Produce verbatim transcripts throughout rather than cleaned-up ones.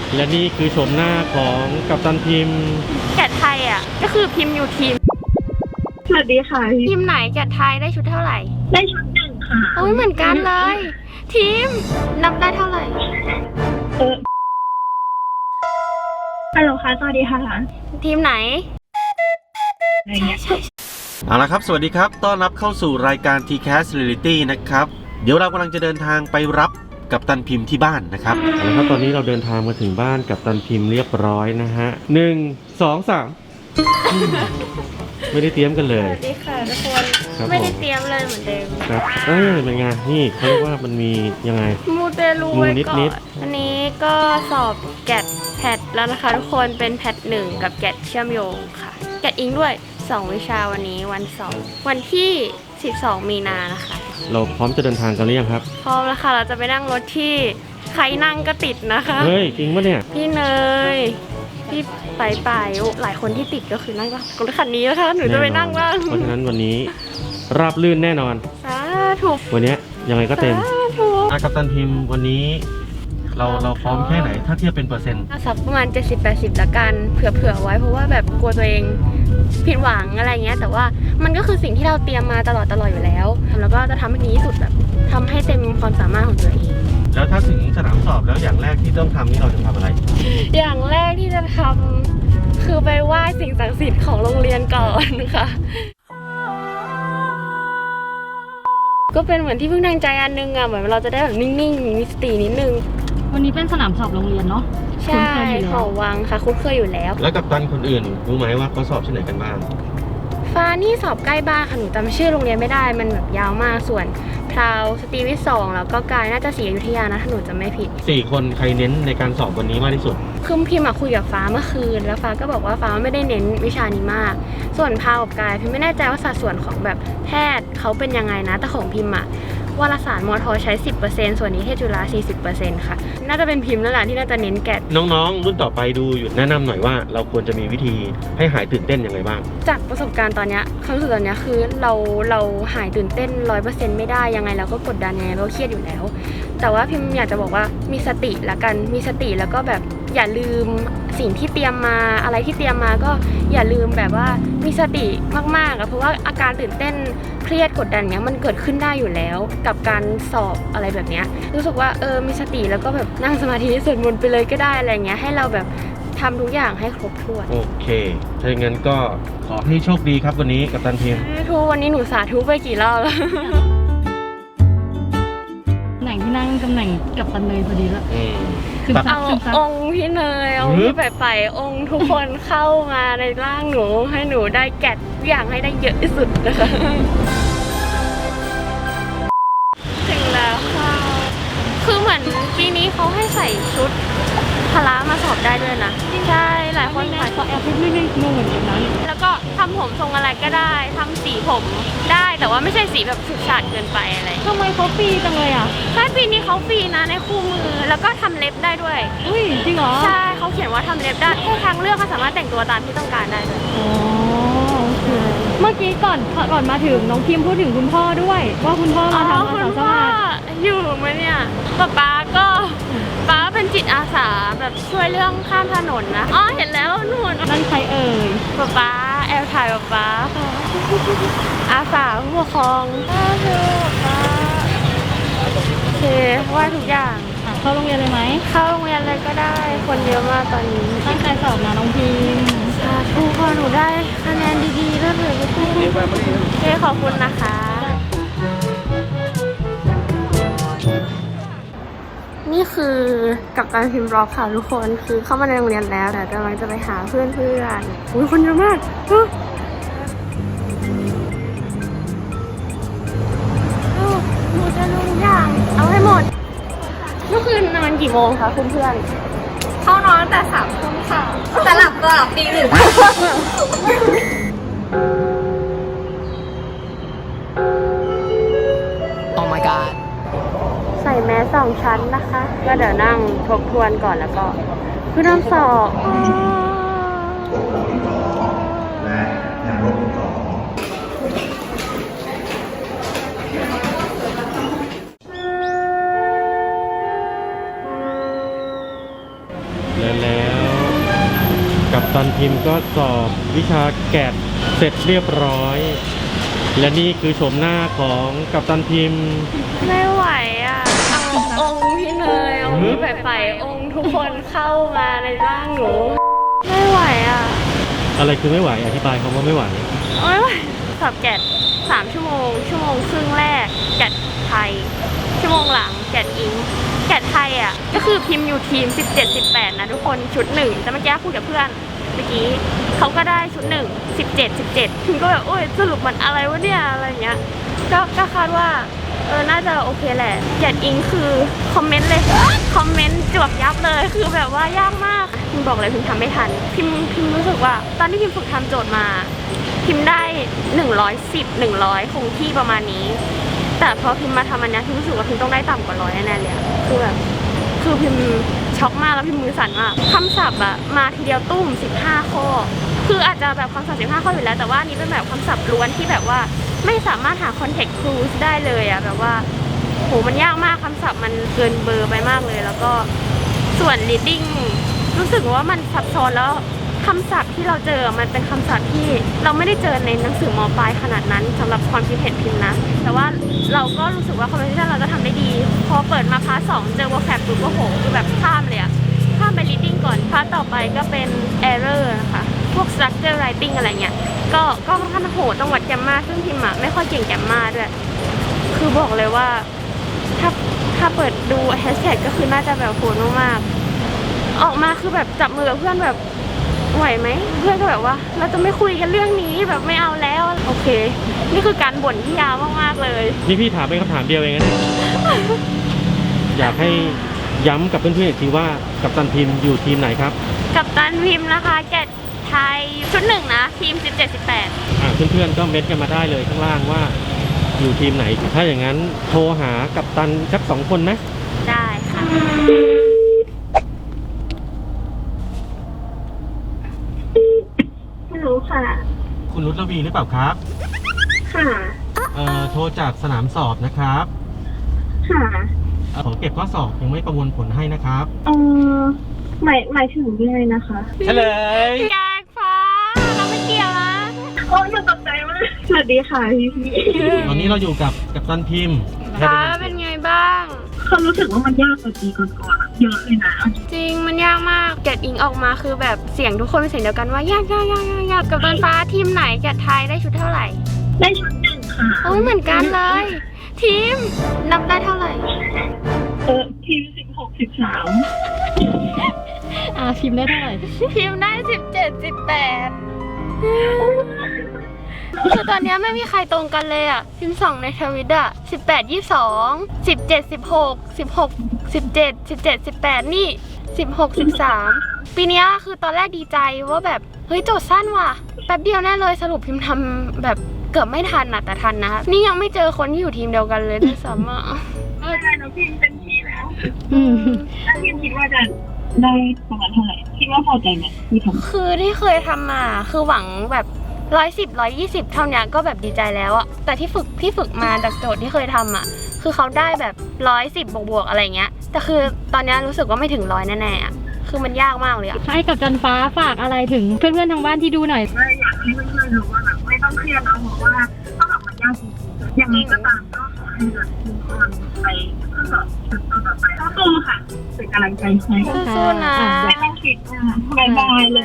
และนี่คือชมหน้าของกัปตันทีมแกะไทยอ่ะก็คือพิมพ์อยู่ทีมสวัสดีค่ะทีมไหนแกะไทยได้ชุดเท่าไหร่ได้ชุดหนึ่งค่ะโอ้ยเหมือนกันเลยทีมนับได้เท่าไหร่เออฮัลโหลค่ะสวัสดีค่ะทีมไหนเอาละครับสวัสดีครับต้อนรับเข้าสู่รายการ ที แคส Reality นะครับเดี๋ยวเรากำลังจะเดินทางไปรับกัปตันพิมพ์ที่บ้านนะครับเอาละครับตอนนี้เราเดินทางมาถึงบ้านกัปตันพิมพ์เรียบร้อยนะฮะหนึ่งสองสามไม่ได้เตรียมกันเลยสวัสดีค่ะทุกคนไม่ได้เตรียมเลยเหมือนเดิมครับเออเป็นไงนี่เขาเรียกว่ามันมียังไงมูเตลูไว้ก่อนอันนี้ก็สอบแกดแพทแล้วนะคะทุกคนเป็นแพทหนึ่งกับแกดเชื่อมโยงค่ะแกดอิงด้วยสองวิชาวันนี้วันเสาร์วันที่สิบสองมีนานะคะเราพร้อมจะเดินทางกันหรือยังครับพร้อมแล้วค่ะเราจะไปนั่งรถที่ใครนั่งก็ติดนะคะเฮ้ยจริงปะเนี่ยพี่เนยพี่ไปไปหลายคนที่ติดก็คือนั่งก็รถคันนี้นะคะหนูจะไปนั่งบ้างเพราะฉะนั้นวันนี้ราบลื่นแน่นอนสาธุวันนี้ยังไงก็เต็มอากัปตันทีมวันนี้เราเราพร้อมแค่ไหนถ้าเทียบเป็นเปอร์เซ็นต์สักประมาณ เจ็ดสิบแปดสิบ ละกันเผื่อๆไว้เพราะว่าแบบกลัวตัวเองผิดหวังอะไรเงี้ยแต่ว่ามันก็คือสิ่งที่เราเตรียมมาตลอดตลอดอยู่แล้วแล้วก็จะทำให้ดีที่สุดแบบทำให้เต็มความสามารถของตัวเองแล้วถ้าถึงสนามสอบแล้วอย่างแรกที่ต้องทำนี่เราจะทำอะไรอย่างแรกที่จะทำคือไปไหว้สิ่งศักดิ์สิทธิ์ของโรงเรียนก่อนค่ะก็เป็นเหมือนที่เพิ่งทางใจอันนึงอ่ะเหมือนเราจะได้แบบนิ่งๆมีสตินิดนึงวันนี้เป็นสนามสอบโรงเรียนเนาะใช่หอวังค่ะคุ้นเคยอยู่แล้วแล้วกัปตันคนอื่นรู้ไหมว่าเขาสอบที่ไหนกันบ้างฟ้านี่สอบใกล้บ้านค่ะหนูจำชื่อโรงเรียนไม่ได้มันแบบยาวมากส่วนพราวสตรีวิทย์สองแล้วก็กายน่าจะศรีอยุธยานะถ้าหนูจำไม่ผิดสี่คนใครเน้นในการสอบวันนี้มากที่สุดคือพิมพ์คุยกับฟ้าเมื่อคืนแล้วฟ้าก็บอกว่าฟ้าไม่ได้เน้นวิชานี้มากส่วนพราวกับกายพิมไม่แน่ใจว่าสัดส่วนของแบบแพทย์เขาเป็นยังไงนะแต่ของพิมอะวารสารมอทอใช้ สิบเปอร์เซ็นต์ ส่วนนี้เทศจุฬา สี่สิบเปอร์เซ็นต์ ค่ะน่าจะเป็นพิมพ์นั่นแหละที่น่าจะเน้นแกะน้องๆรุ่นต่อไปดูอยู่แนะนำหน่อยว่าเราควรจะมีวิธีให้หายตื่นเต้นยังไงบ้างจากประสบการณ์ตอนนี้ความรู้สึกตอนนี้คือเราเราหายตื่นเต้น ร้อยเปอร์เซ็นต์ ไม่ได้ยังไงเราก็กดดันยังไงเราเครียดอยู่แล้วแต่ว่าพิมอยากจะบอกว่ามีสติละกันมีสติแล้วก็แบบอย่าลืมสิ่งที่เตรียมมาอะไรที่เตรียมมาก็อย่าลืมแบบว่ามีสติมากๆอะเพราะว่าอาการตื่นเต้นเครียดกดดันเนี้ยมันเกิดขึ้นได้อยู่แล้วกับการสอบอะไรแบบเนี้ยรู้สึกว่าเออมีสติแล้วก็แบบนั่งสมาธิสวดมนต์ไปเลยก็ได้อะไรเงี้ยให้เราแบบทำทุกอย่างให้ครบถ้วนโอเคถ้าอย่างนั้นก็ขอให้โชคดีครับวันนี้กัปตันทีมทุกวันนี้หนูสาธุไปกี่รอบแล้วตำแหน่งที่นั่งตำแหน่งกัปตันเนยพอดีแล้วคือเอาองค์พี่เนยเอาพี่ไปไปองค์ทุกคนเข้ามาในร่างหนูให้หนูได้แกะอย่างให้ได้เยอะที่สุดนะคะถึงแล้วค่ะคือเหมือนปีนี้เขาให้ใส่ชุดพละมาสอบได้ด้วยนะใช่หลายคนใส่ก็แอบไม่ได้งงเหมือนกันนั้นแล้วก็ทำผมทรงอะไรก็ได้ทำสีผมได้แต่ว่าไม่ใช่สีแบบฉูดฉาดเกินไปอะไรทำไมเขาฟรีจังเลยอ่ะใช่ปีนี้เขาฟรีนะในคู่มือแล้วก็ทำเล็บได้ด้วยอุ้ยจริงเหรอใช่เขาเขียนว่าทำเล็บได้ให้ทางเลือกเขาสามารถแต่งตัวตามที่ต้องการได้เลยอ๋อโอเคเมื่อกี้ก่อนก่อนมาถึงน้องพิมพูดถึงคุณพ่อด้วยว่าคุณพ่อมาทำอาสาสมัครอยู่ไหมเนี่ยป๊าป๊าก็ป๊าเป็นจิตอาสาแบบช่วยเรื่องข้ามถนนนะอ๋อเห็นแล้วนู่นนั่นใครเอ่ยป๊าป๊าแอลถ่ายป๊าป๊าอาสาผู้ปกครองป๊าป๊าโอเคว่าทุกอย่างเข้าโรงเรียนเลยไหมเข้าโรงเรียนเลยก็ได้คนเยอะมากตอนนี้ตั้งใจสอบนะน้องพิมสาธุพอหนูได้คะแนนดีๆแล้วเลยโอเคขอบคุณนะคะนี่คือกับการพิมพ์ร็อกค่ะทุกคนคือเข้ามาในโรงเรียนแล้วแต่กำลังจะไปหาเพื่อนเพื่อนอุ้ยคนเยอะมากหนูจะรู้ทุกอย่างเอาให้หมดเมื่อคืนนอนกี่โมงคะคุณเพื่อนเข้านอนตั้งแต่สามทุ่มค่ะแต่หลับก็หลับตีหนึ่งโอ้ my godใส่แมสสองชั้นนะคะก็เดี๋ยวนั่งทบทวนก่อนแล้วก็คือน้ำสอบและแนวรบสองและแล้วกัปตันพิมพ์ก็สอบวิชาแกะเสร็จเรียบร้อย และนี่คือโฉมหน้าของกัปตันพิมพ์ไม่ไหวอ่ะเอาองค์พี่เนยองค์พี่ไปไปองค์ทุกคนเข้ามาในร่างหนูไม่ไหวอ่ะอะไรคือไม่ไหวอธิบายคำว่าไม่ไหวไม่ไหวสอบแกดสามชั่วโมง ชั่วโมงครึ่งแรกแกดไทย ชั่วโมงหลังแกดอิงแกดไทยอ่ะก็คือพิมพ์อยู่ทีมสิบเจ็ด สิบแปดนะทุกคนชุดหนึ่งแต่เมื่อกี้คุยกับเพื่อนเมื่อกี้เขาก็ได้ชุดหนึ่ง สิบเจ็ด สิบเจ็ดพิมก็แบบโอ้ยสรุปมันอะไรวะเนี่ยอะไรเงี้ยก็ก็คาดว่าเออน่าจะโอเคแหละแกดอิงคือคอมเมนต์เลยคอมเมนต์จวบยับเลยคือแบบว่ายากมากพิมบอกเลยพิมทำไม่ทันพิมพิมรู้สึกว่าตอนที่พิมฝึกทำโจทย์มาพิมได้หนึ่งร้อยสิบ หนึ่งร้อยคงที่ประมาณนี้แต่พอพิมมาทำอันนี้พิมรู้สึกว่าพิมต้องได้ต่ำกว่าร้อยแน่ๆเลยคือแบบคือพิมช็อกมากแล้วพิมมือสั่นมากคำศัพท์อะมาทีเดียวตุ้มสิบห้าข้อคืออาจจะแบบคำศัพท์สิบห้าข้ออยู่แล้วแต่ว่านี้เป็นแบบคำศัพท์ล้วนที่แบบว่าไม่สามารถหา context clues ได้เลยอะแบบว่าโหมันยากมากคำศัพท์มันเกินเบอร์ไปมากเลยแล้วก็ส่วน reading รู้สึกว่ามันซับซ้อนแล้วคำศัพท์ที่เราเจอมันเป็นคำศัพท์ที่เราไม่ได้เจอในหนังสือม.ปลายขนาดนั้นสำหรับความคิดเห็นพิมพ์นะแต่ว่าเราก็รู้สึกว่า conversation เราก็ทำได้ดีพอเปิดมาพาร์ทสองเจอ vocab ปุ๊บก็โหคือแบบข้ามเลยอะข้ามไป reading ก่อนพาร์ทต่อไปก็เป็น error นะคะพวก structure writing อะไรเงี้ยก็ก็ค่อนข้างโหดต้องวัดแกมมาซึ่งพิมพ์อะไม่ค่อยเก่งแกมมาด้วยคือบอกเลยว่าถ้าถ้าเปิดดู hashtag ก็คือน่าจะแบบโหดมากๆออกมาคือแบบจับมือกับเพื่อนแบบไหวไหมเพื่อนก็แบบว่าเราจะไม่คุยกันเรื่องนี้แบบไม่เอาแล้วโอเคนี่คือการบ่นที่ยาวมากๆเลยนี่พี่ถามเป็นคำถามเดียวเองนะเนี่ย อยากให้ย้ำกับเพื่อนๆอีกทีว่ากัปตันพิมพ์อยู่ทีมไหนครับกับตันพิมพ์นะคะแกดไทยชุดหนึ่งนะทีมสิบเจ็ด สิบแปดอ่าเพื่อนๆก็เม็ดกันมาได้เลยข้างล่างว่าอยู่ทีมไหน ถ้าอย่างนั้นโทรหากัปตันสักสองคนนะได้ค่ะไม่รู้ค่ะคุณรุตระวีหรือเปล่าครับค่ะเอ่อโทรจากสนามสอบนะครับค่ะเอ่อขอเก็บข้อสอบยังไม่ประมวลผลให้นะครับเออหมายหมายถึงยังไงนะคะเฉลยแกงฟ้าเราไม่เกี่ยวนะโอ้ยตกใจมากสวัสดีค่ะพี่พี่ตอนนี้เราอยู่กับกัปตันพิมพ์ฟ้าเป็นไงบ้างเขารู้สึกว่ามันยากกว่าปีก่อนๆเยอะเลยนะจริงมันยากมากแกดอิงออกมาคือแบบเสียงทุกคนเป็นเสียงเดียวกันว่ายากยากยากยากยากกับตันฟ้าทีมไหนแกดไทยได้ชุดเท่าไหร่ได้ชุดหนึ่งค่ะโอ้ยเหมือนกันเลย ทีมนับได้เท่าไหร่เออทีมสิบหกสิบสามอ่าพิมพ์ได้เท่าไหร่ทีมได้สิบเจ็ด สิบแปดคือตอนนี้ไม่มีใครตรงกันเลยอ่ะพิมพ์สองในทวิตอ่ะสิบแปด ยี่สิบสอง สิบเจ็ด สิบหก สิบหก สิบเจ็ด สิบเจ็ด สิบแปดนี่สิบหก สิบสามปีนี้คือตอนแรกดีใจว่าแบบเฮ้ยโจทย์สั้นว่ะแป๊บเดียวแน่เลยสรุปพิมพ์ทำแบบเกือบไม่ทันอะแต่ทันนะนี่ยังไม่เจอคนที่อยู่ทีมเดียวกันเลยด้วยซ้ำอะเออได้แล้วพิมเป็นทีแล้วอืมถ้าพิมคิดว่าจะได้ประมาณเท่าไหร่คิดว่าพอใจไหมที่ทำคือที่เคยทำมาคือหวังแบบร้อยสิบร้อยยี่สิบเท่านี้ก็แบบดีใจแล้วอะแต่ที่ฝึกที่ฝึกมาจากโจทย์ที่เคยทำอะคือเขาได้แบบร้อยสิบบวกบวกๆอะไรเงี้ยแต่คือตอนนี้รู้สึกว่าไม่ถึงร้อยแน่ๆอะคือมันยากมากเลยอะให้กับจันฟ้าฝากอะไรถึงเพื่อนๆทางบ้านที่ดูหน่อยว่าอยากให้เพื่อนๆรู้ว่าแบบไม่ต้องเครียดนะเพราะว่าข้อสอบมันยากจริงๆอย่างนี้ก็ตามก็ขอให้แบบทุกคนไปข้อสอบชุดต่อไปสู้ๆค่ะเป็นกำลังใจให้สู้ๆนะไม่ต้องคิดนะบายบายเลย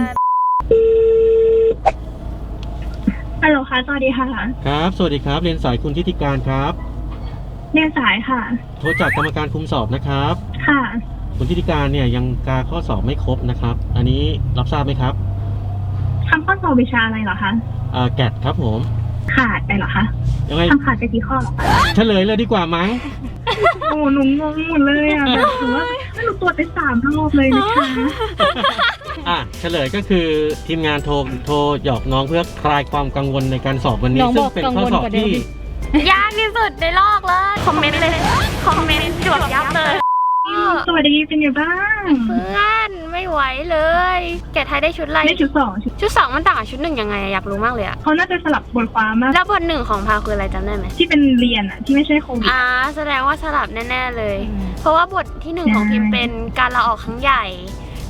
ฮัลโหลค่ะสวัสดีค่ะครับ สวัสดีครับ เรียนสายคุณทิติการครับเรียนสายค่ะโทรจากกรรมการคุมสอบนะครับค่ะคุณทิติการเนี่ยยังกาข้อสอบไม่ครบนะครับ อันนี้รับทราบไหมครับทำข้อสอบวิชาอะไรเหรอคะอ่าแกดครับผมขาดไปเหรอคะยังไงทำขาดไปกี่ข้อเหรอคะเฉลยเลยดีกว่ามั้งโอ้หนูงงหมดเลยอ่ะแบบถือว่าหนูตรวจไปสามรอบเลยนะคะอ่ะเฉลยก็คือทีมงานโทรโทรหยอกน้องเพื่อคลายความกังวลในการสอบวันนี้น้องซึ่บงอกเป็นกังข้อวลสอบกว่าเดิมที่อีกยากที่สุดในโลกเลยคอมเมนต์เลยคอมเมนต์จวบยับเลยสวัสดีเป็นไงบ้างเพื่อนไม่ไหวเลยแกไทยได้ชุดอะไรได้ชุดสองชุดชุดสองมันต่างกับชุดหนึ่งยังไงอะอยากรู้มากเลยอะเขาน่าจะสลับบทความมากแล้วบทหนึ่งของพาวคืออะไรจำได้ไหมที่เป็นเรียนอ่ะที่ไม่ใช่โควิดอ่าแสดงว่าสลับแน่ๆเลย เพราะว่าบทที่หนึ่งของพิมพ์เป็นการลาออกครั้งใหญ่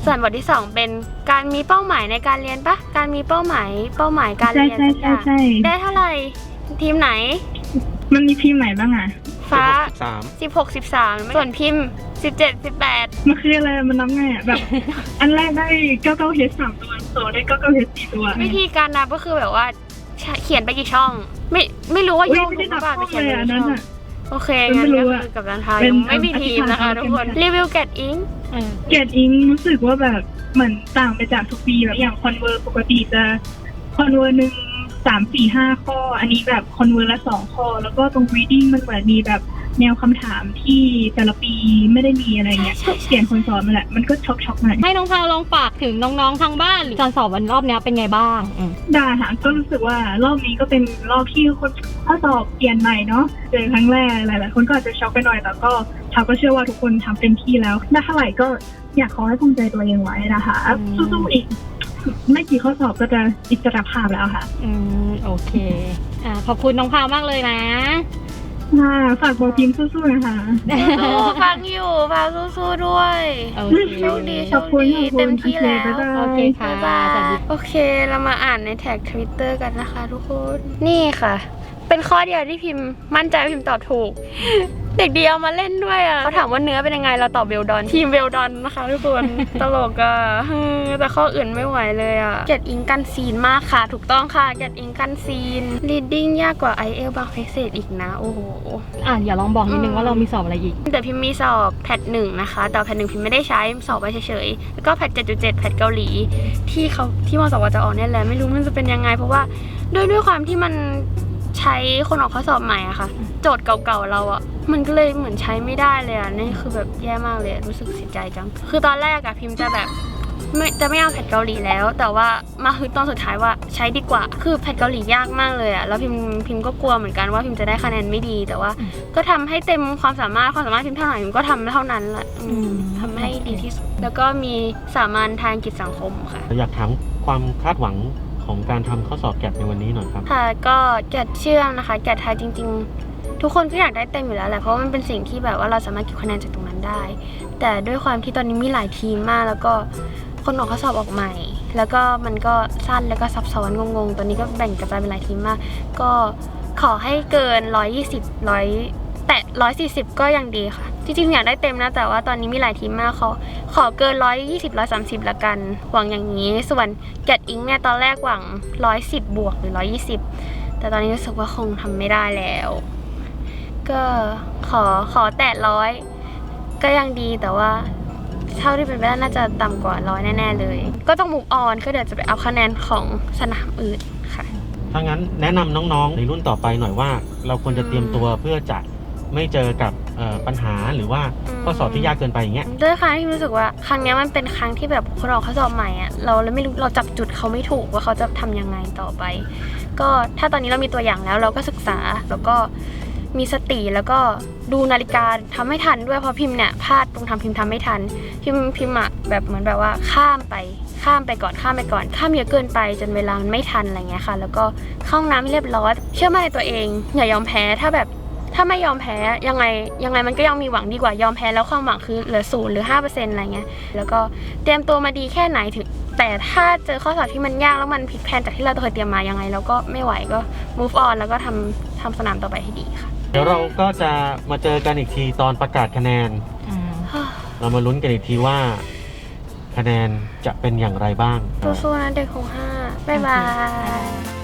ส่วนบทที่สองเป็นการมีเป้าหมายในการเรียนปะการมีเป้าหมายเป้าหมายการใช่เรียนใช่สักอใช่ย่างใช่ได้เท่าไหร่ทีมไหนมันมีทีมไหนบ้างอ่ะฟ้าสามสิบหก สิบสามส่วนพิมพ์สิบเจ็ด สิบแปดมันคืออะไรมันนับไงอ่ะแบบ อันแรกได้เก้าเก้าเฮดสามตัวสองได้เก้าเก้าเฮดสี่ตัววิธีการนับก็คือแบบว่าเขียนไปกี่ช่อง ไม่ไม่รู้ว่าอุ๊โยยกไม่ถูได้กหรือเปล่านับช่ไปองเขียนเลยไปอันกี่นั้ช่นองอ่ะโอเคไม่งั้นรู้ก็อะคือกับการทายเป็นไม่มีทีมนะคะอธิษฐานทุกคนกันรีวิวแกดอิงเออเกรดอิงรู้สึกว่าแบบเหมือนต่างไปจากทุกปีแบบอย่างคอนเวอร์ปกติจะคอนเวอร์หนึ่งสามสี่ห้าข้อ อันนี้แบบคอนเวอร์ละสองข้อ แล้วก็ตรง reading มันเหมือนมีแบบแนวคำถามที่แต่ละปีไม่ได้มีอะไรเงี้ยก็เปลี่ยนคนสอนมาแหละมันก็ช็อกช็อกๆหน่อยให้น้องพาวลองฝากถึงน้องๆทางบ้านหรือการสอบวันรอบเนี้ยเป็นไงบ้างอืมได้ค่ะก็รู้สึกว่ารอบนี้ก็เป็นรอบที่คนข้อสอบเปลี่ยนใหม่เนาะเจอครั้งแรกหลายๆคนก็อาจจะช็อกไปหน่อยแต่ก็ชาวก็เชื่อว่าทุกคนทำเต็มที่แล้วได้เท่าไหร่ก็อยากขอให้ภูมิใจตัวเองไว้นะคะสู้ๆอีกไม่กี่ข้อสอบก็จะอิสรภาพแล้วค่ะอืมโอเคอ่าขอบคุณน้องพาวมากเลยนะค่ะฝากบอกทีมสู้ๆนะคะสู้ๆฟังอยู่ฟังสู้ๆด้วยโอเคโชคดีโชขอบคคุณดีขอบคุณเต็มที่แล้วโอเคบ๊ายบายโอเคค่ะบ๊ายบาสวัสยดีโอเคเรามาอ่านในแท็กทวิตเตอร์กันนะคะทุกคน นี่ค่ะ เป็นข้อเดียวที่พิมพ์มั่นใจว่าพิมพ์ตอบถูก เด็กดีเอามาเล่นด้วยอ่ะเขาถามว่าเนื้อเป็นยังไงเราตอบเวลดอนทีมเวลดอนนะคะทุกคน ตลกอ่ะเฮ้ยแต่ข้ออื่นไม่ไหวเลยอ่ะเกตอิงกันซีนมากค่ะ ถูกต้องค่ะเกตอิงกันซีน reading ยากกว่า ไอ เอล บางเพเศษอีกนะโอ้โหอ่ะอย่าลองบอกนิดนึงว่าเรามีสอบอะไรอีกแต่พิมพ์มีสอบแพทหนึ่งนะคะแต่แพทหนึ่งพิมพ์ไม่ได้ใช้สอบไปเฉยๆแล้วก็แพทเจ็ดจุดเจ็ดแพทเกาหลีที่เขาที่มสวจะออกเนี่ยแหละไม่รู้มันจะเป็นยังไง เพราะว่าด้วยด้วยความที่มันใช้คนออกข้อสอบใหม่อะค่ะ โจทย์เก่าๆเราอะมันก็เลยเหมือนใช้ไม่ได้เลยอะนี่คือแบบแย่มากเลยอะรู้สึกเสียใจจังคือตอนแรกอะพิมพ์จะแบบไม่จะไม่เอาแพทเกาหลีแล้ว แต่ว่ามาฮึดตอนสุดท้ายว่าใช้ดีกว่าคือแพทเกาหลียากมากเลยอะแล้วพิมพ์พิมพ์ก็กลัวเหมือนกันว่าพิมพ์จะได้คะแนนไม่ดี แต่ว่าก็ทำให้เต็มความสามารถความสามารถพิมพ์เท่าไหร่พิมพ์ก็ทำเท่านั้นแหละอืมอืมทำให้ดีที่สุดแล้วก็มีสามัญทางกิจสังคมค่ะอยากถามความคาดหวังของการทำข้อสอบแกดในวันนี้หน่อยครับค่ะก็แกดเชื่อมนะคะแกดไทยจริงๆ ทุกคนก็อยากได้เต็มอยู่แล้วแหละเพราะว่ามันเป็นสิ่งที่แบบว่าเราสามารถเก็บคะแนนจากตรงนั้นได้ แต่ด้วยความที่ตอนนี้มีหลายทีมมาก แล้วก็คนออกข้อสอบออกใหม่ แล้วก็มันก็สั้นแล้วก็ซับซ้อนงงๆตอนนี้ก็แบ่งกระจายเป็นหลายทีมมาก ก็ขอให้เกินหนึ่งร้อยยี่สิบ หนึ่งร้อยแตะหนึ่งร้อยสี่สิบก็ยังดีค่ะจริงๆอยากได้เต็มนะแต่ว่าตอนนี้มีหลายทีมมากขอขอเกินหนึ่งร้อยยี่สิบ หนึ่งร้อยสามสิบละกันหวังอย่างนี้ส่วนแกดอิงเนี่ยตอนแรกหวังหนึ่งร้อยสิบบวกหรือหนึ่งร้อยยี่สิบแต่ตอนนี้รู้สึกว่าคงทำไม่ได้แล้ว ก็ขอขอแตะร้อยก็ยังดีแต่ว่าเท่าที่เป็นไปได้น่าจะต่ำกว่าร้อยแน่ๆเลย ก็ต้องมุกออนก็เดี๋ยวจะไปเอาคะแนนของสนามอื่นค่ะถ้างั้นแนะนำน้องๆในรุ่นต่อไปหน่อยว่า เราควรจะเตรียมตัวเพื่อจะไม่เจอกับเอ่อปัญหาหรือว่าข้อสอบที่ยากเกินไปอย่างเงี้ยด้วยครั้งที่รู้สึกว่าครั้งนี้มันเป็นครั้งที่แบบคนออกข้อสอบใหม่อะเราเลยไม่รู้เราจับจุดเขาไม่ถูกว่าเขาจะทำยังไงต่อไป ก็ถ้าตอนนี้เรามีตัวอย่างแล้วเราก็ศึกษาแล้วก็มีสติแล้วก็ดูนาฬิกาทำให้ทันด้วยเพราะพิมพ์เนี่ยพลาดตรงทำพิมพ์ทำไม่ทันพิมพ์พิมพ์อะแบบเหมือนแบบว่าข้ามไปข้ามไปก่อนข้ามไปก่อนข้ามเยอะเกินไปจนเวลามันไม่ทันอะไรเงี้ยค่ะ แล้วก็เข้าห้องน้ำให้เรียบร้อยเชื่อมั่นในตัวเองอย่ายอมแพ้ถ้าแบบถ้าไม่ยอมแพ้ยังไงยังไงมันก็ยังมีหวังดีกว่ายอมแพ้แล้วความหวังคือเหลือศูนย์หรือห้าเปอร์เซ็นต์อะไรเงี้ยแล้วก็เตรียมตัวมาดีแค่ไหนถึงแต่ถ้าเจอข้อสอบที่มันยากแล้วมันผิดแผนจากที่เราเคยเตรียมมายังไงเราก็ไม่ไหวก็ move on แล้วก็ทำทำสนามต่อไปให้ดีค่ะเดี๋ยวเราก็จะมาเจอกันอีกทีตอนประกาศคะแนน เรามาลุ้นกันอีกทีว่าคะแนนจะเป็นอย่างไรบ้างสู้ๆนะเด็กของห้าบ๊ายบาย